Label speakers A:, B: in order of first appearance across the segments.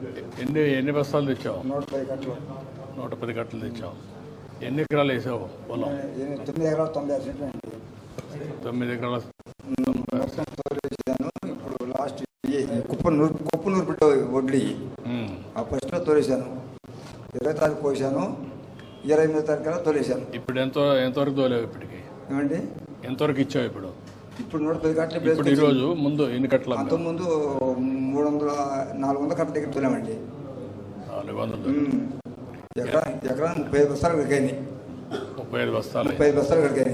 A: ఎన్ని బస్తాలు తెచ్చావు?
B: 110 కట్టలు.
A: 110 కట్టలు తెచ్చావు. ఎన్ని ఎకరాలు వేసావు పొలం?
B: 9 ఎకరాలు 96 సెంట్లు అండి.
A: 9 ఎకరాల
B: మొత్తం తోలేసాను. ఇప్పుడు లాస్ట్ కుప్ప నూర్పిట వడ్లు ఆ ఫస్ట్లో తోలేసాను. 20 తారీఖు పోసాను. 28వ తారీఖు తోలేసాను.
A: ఇప్పుడు ఎంతవరకు తోలేవు? ఇప్పటికి
B: ఏమండి
A: ఎంతవరకు ఇచ్చావు? ఇప్పుడు
B: 110 కట్టలు.
A: ఇప్పుడు ఈరోజు ముందు ఎన్ని కట్టలు?
B: అంతకుముందు 400 కట్టల దగ్గర తోలామండి.
A: 400.
B: ఎకరా 35 బస్తాలు కడిగాయి.
A: 35 బస్తాలు.
B: 35 బస్తాలు కడిగాయి.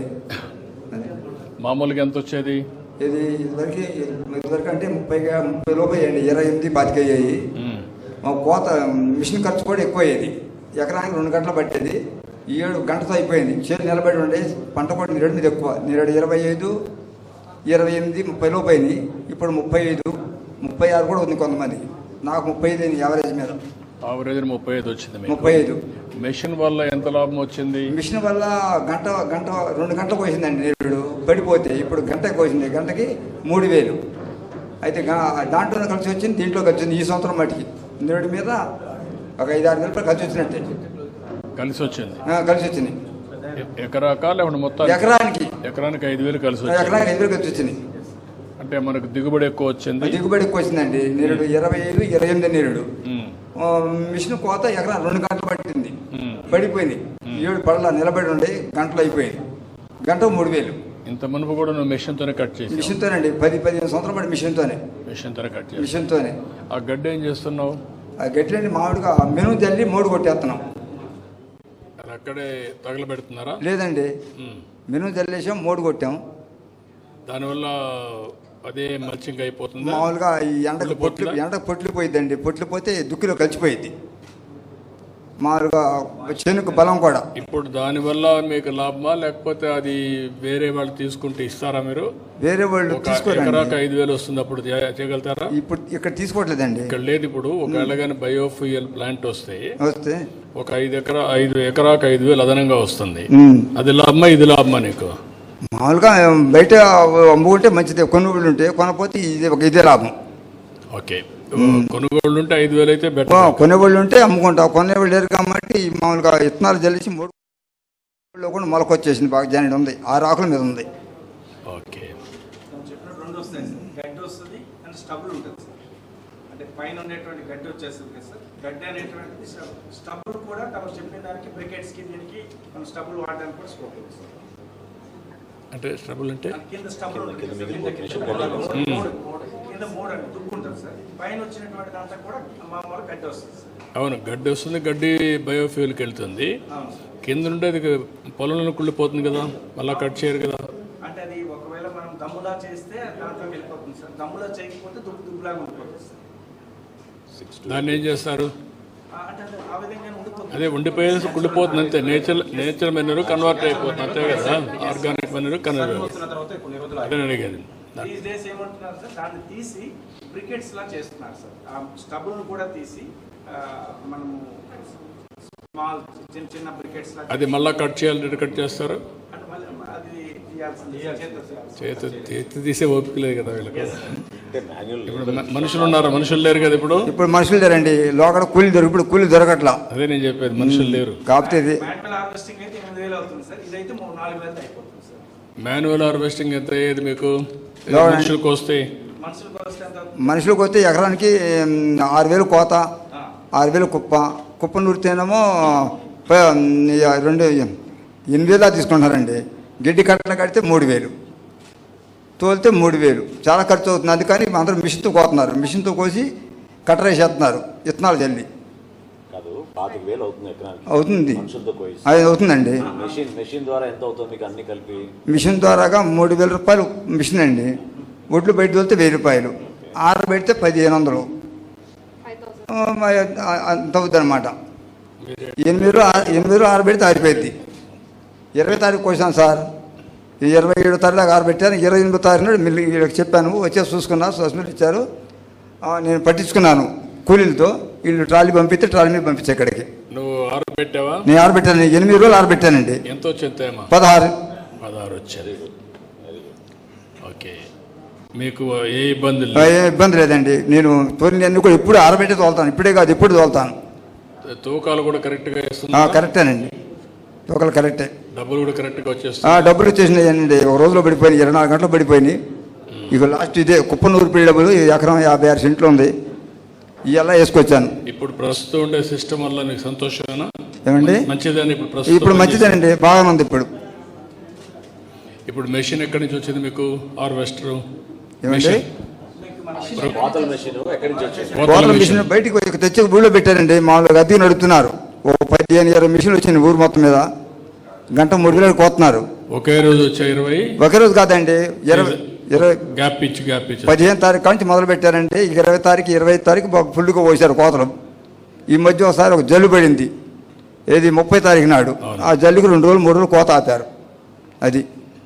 A: మామూలుగా ఎంత వచ్చేది?
B: ఇది ఇదివరకు అంటే 30 లోపు అయ్యండి. 28 25 అయ్యాయి. కోత మిషన్ ఖర్చు కూడా ఎక్కువ అయ్యేది. ఎకరానికి 2 గంటలు పట్టేది. ఈ 7 గంటతో అయిపోయింది. చేతి నిలబడి ఉండే పంట కూడా నీరు మీద ఎక్కువ. నీరు 25, 28, 30 లోపు అయింది. ఇప్పుడు 35, 36 కూడా ఉంది కొంతమంది. నాకు 35 అయింది యావరేజ్ మీద.
A: ఆవరేజ్ 35 వచ్చింది.
B: 35.
A: మెషిన్ వల్ల ఎంత లాభం వచ్చింది?
B: మిషన్ వల్ల గంట 2 గంటలు పోసిందండి నీరు పడిపోతే. ఇప్పుడు గంటకి పోసింది. గంటకి 3000. అయితే దాంట్లో కలిసి వచ్చింది, దీంట్లో కలిసి వచ్చింది. ఈ సంవత్సరం మట్టికి నీరు మీద ఒక 5-6 వేల రూపాయలు కలిసి వచ్చినట్టే. కలిసి వచ్చింది.
A: ఎకరాకా లేకుండా మొత్తం?
B: ఎకరానికి
A: 5,000 కలిసి వచ్చింది.
B: ఎకరానికి 5,000 కలిసి వచ్చింది.
A: అంటే మనకు దిగుబడి ఎక్కువ వచ్చింది.
B: దిగుబడి ఎక్కువ వచ్చిందండి. నీరుడు 25, 28 నీరుడు. మిషన్ కోత ఎకరా 2 గంటలు పట్టింది. పడిపోయింది. 7 పడల నిలబడి ఉండి గంటలు అయిపోయింది. గంట 3000.
A: ఇంత మునుపు కూడా నువ్వు మిషన్తోనే కట్ చేసి?
B: మిషన్తోనండి. 10-15 సంవత్సరాలు పడి మిషన్తోనే కట్ చేసి. మిషన్తోనే.
A: ఆ గడ్డి ఏం చేస్తున్నావు?
B: ఆ గడ్డి మామిడిగా మెను జల్లి మోడు కొట్టేస్తున్నాం.
A: అక్కడే తగలబెడుతున్నారా?
B: లేదండి, మెను జల్లేసాం, మోడు కొట్టాం.
A: దానివల్ల అదే మల్చింగ్ అయిపోతుంది.
B: మామూలుగా ఈ ఎండకు పొట్లు పోయిద్దండి. పొట్లు పోతే దుక్కిలో కలిసిపోయిద్ది. మామూలుగా చేనుకు బలం కూడా.
A: ఇప్పుడు దానివల్ల మీకు లాభమా లేకపోతే అది వేరే వాళ్ళు తీసుకుంటే ఇస్తారా? మీరు
B: వేరే వాళ్ళు
A: ఎకరాకు 5,000 వస్తుంది, అప్పుడు చేయగలుగుతారా?
B: ఇప్పుడు ఇక్కడ తీసుకోవట్లేదండి.
A: ఇక్కడ లేదు. ఇప్పుడు ఒకవేళ కానీ బయోఫ్యూయల్ ప్లాంట్ వస్తే ఒక 5 ఎకరాకు 5,000 అదనంగా వస్తుంది. అది లాభమా ఇది లాభమా నీకు?
B: మామూలుగా బయట అమ్ముకుంటే మంచిదే. కొనుగోళ్ళు ఉంటే కొనపోతే ఇదే లాభం.
A: ఓకే, కొనుగోళ్ళు ఉంటే 5,000 అయితే బెటర్.
B: కొనుగోళ్ళు ఉంటే అమ్ముకుంటాం. కొనేవాళ్ళు లేరు కాబట్టి మామూలుగా విత్తనాలు జల్లిసి 3 కూడా మొలకొచ్చేసింది. బాగా జాయిన్ ఉంది. 6 ఆకుల మీద ఉంది.
A: ఓకే,
C: రెండు వస్తాయి సార్. గడ్డి వస్తుంది అండ్ స్టబుల్ ఉంటుంది సార్. అంటే పైన ఉండేటువంటి గడ్డి వచ్చేస్తుంది కదా సార్. గడ్డి అనేటువంటిది స్టబుల్ కూడా తమ చెప్పిన దానికి బ్రికెట్స్కి దీనికి మనం స్టబుల్ వాడడానికి కూడా స్కోప్ ఉంది సార్.
A: అంటే స్టబుల్ అంటే
C: కింద స్టబుల్ కింద 3 అంటే దుక్కు ఉంటుంది సార్. పైన వచ్చినటువంటి దాంట్లో కూడా మామూలు గడ్డి వస్తుంది సార్.
A: అవును, గడ్డి వస్తుంది. గడ్డి బయోఫ్యూల్కి వెళ్తుంది. కింద నుండి అది పొలంలో కుళ్ళిపోతుంది కదా, మళ్ళీ కట్ చేయరు కదా.
C: అంటే అది ఒకవేళ మనం దమ్ములా చేస్తే దాంట్లోకి వెళ్ళిపోతుంది సార్. దమ్ములా చేయకపోతే దుబ్బులాగా ఉండిపోతుంది సార్.
A: దాన్ని ఏం చేస్తారు?
C: అంటే ఆ విధంగా ఉండిపోతుంది.
A: అదే ఉండిపోయేసి కుళ్ళిపోతుంది అంతే. నేచర్ మెనూరు కన్వర్ట్ అయిపోతుంది అంతే కదా. Organic manure convert. అదే అడిగేది.
C: దీస్ డేస్ ఏమంటున్నారు సార్, దాన్ని తీసి బ్రికెట్స్ లా చేస్తున్నారు సార్. ఆ స్టబుల్ కూడా తీసి మనము స్మాల్ చిన్న బ్రికెట్స్ లా. అది
A: మళ్ళీ కట్ చేయాలి. కట్ చేస్తారు.
C: అంటే మళ్ళీ అది
A: చేతి తీసే ఓపిక లేదు కదా వీళ్ళకి. ఇప్పుడు మనుషులు ఉన్నారు, మనుషులు లేరు కదా.
B: ఇప్పుడు మనుషులు లేరండి. లోకడ కూలి ఇప్పుడు కూలి దొరకట్లా.
A: అదే నేను చెప్పేది, మనుషులు లేరు.
B: కాకపోతే ఇది
C: మాన్యువల్ హార్వెస్టింగ్ అయితే 8,000 అవుతుంది సార్. ఇదైతే 4,000 అయిపోతుంది సార్.
A: మాన్యువల్ హార్వెస్టింగ్ ఎంత అయ్యేది మీకు? మనుషులకు వస్తే
B: మనుషులకు వస్తే ఎకరానికి 6,000 కోత, 6,000 కుప్ప నూరితేనేమో 8,000 తీసుకుంటారండి. గిడ్డి కట్టలు కడితే 3,000, తోలితే 3,000. చాలా ఖర్చు అవుతుంది. అందుకని అందరూ మిషన్తో కోతున్నారు. మిషన్తో కోసి కట్టర వేసేస్తున్నారు విత్తనాలు జల్లి. అవుతుంది, అది అవుతుందండి. మిషన్ ద్వారాగా 3,000 రూపాయలు మిషన్ అండి. ఒడ్లు బయట తోలితే 1,000 రూపాయలు, ఆరబెడితే 1,500 అంత అవుతుంది అనమాట. 8 ఆరబెడితే ఆరిపోయింది. 20 తారీఖు కోసాను సార్. 27 తారీఖు దాకా ఆరబెట్టాను. 28 తారీఖు మిల్లి చెప్పాను, వచ్చేసి చూసుకున్నా. సస్మిట్ ఇచ్చారు, నేను పట్టించుకున్నాను కూలీలతో. వీళ్ళు ట్రాలీ పంపిస్తే ట్రాలీ మీద పంపించే ఇక్కడికి.
A: నువ్వు ఆరబెట్టావా?
B: నేను ఆరబెట్టాను. 8 రోజులు ఆరబెట్టానండి.
A: ఎంత వచ్చింది?
B: 16
A: వచ్చేది. ఓకే, మీకు ఏ ఇబ్బంది
B: ఏ ఇబ్బంది లేదండి. నేను తోలినన్ని కూడా ఎప్పుడు ఆరబెట్టి తోలుతాను, ఇప్పుడే కాదు ఎప్పుడు తోలుతాను.
A: తూకాలు కూడా కరెక్ట్ గా ఇస్తున్నా?
B: కరెక్టేనండి, తూకాలు కరెక్టే.
A: డబ్బులు కూడా కరెక్ట్ గా వచ్చేస్తాయి?
B: డబ్బులు వచ్చేసినాయండి, ఒక రోజులో పడిపోయినాయి, 24 గంటలు పడిపోయినాయి. ఇక లాస్ట్ ఇదే కుప్పనూరు పిల్లి డబ్బులు ఎకరం 56 సెంట్లు ఉంది, ఇవల్ల వేసుకొచ్చాను.
A: ఇప్పుడు ప్రస్తుతం ఉండే సిస్టమ్ వల్ల నీకు సంతోషమేనా?
B: ఏమండి
A: మంచిదని
B: ఇప్పుడు మంచిదేనండి, బాగానే ఉంది. ఇప్పుడు
A: మెషిన్ ఎక్కడి నుంచి వచ్చింది మీకు? హార్వెస్టర్
B: ఏమండి
A: కోతల
B: మిషన్ బయటికి తెచ్చి ఊళ్ళో పెట్టారండి. మామూలుగా అద్దెకి నడుపుతున్నారు. ఓ 15-20 మిషన్లు వచ్చింది ఊరు మొత్తం మీద, గంట 3 కిలోలు కోతున్నారు.
A: ఒకే రోజు వచ్చా 20?
B: ఒకే రోజు కాదండి, 20
A: గ్యాప్ ఇచ్చి
B: 15 తారీఖు నుంచి మొదలు పెట్టారంటే 20 తారీఖు 25 తారీఖు ఫుల్గా పోసారు కోతలు. ఈ మధ్య ఒకసారి ఒక జల్లు పడింది, ఏది 30 తారీఖు నాడు. ఆ జల్లుకు 2 రోజులు 3 రోజులు కోత ఆపారు. అది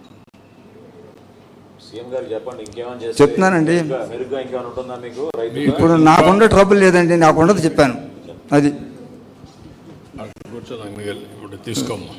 B: చెప్తున్నానండి. ఇప్పుడు నాకుండే ట్రబుల్ లేదండి, నాకుండదు చెప్పాను. అది
A: కూర్చోదాం, ఇప్పుడు తీసుకోమ్మా.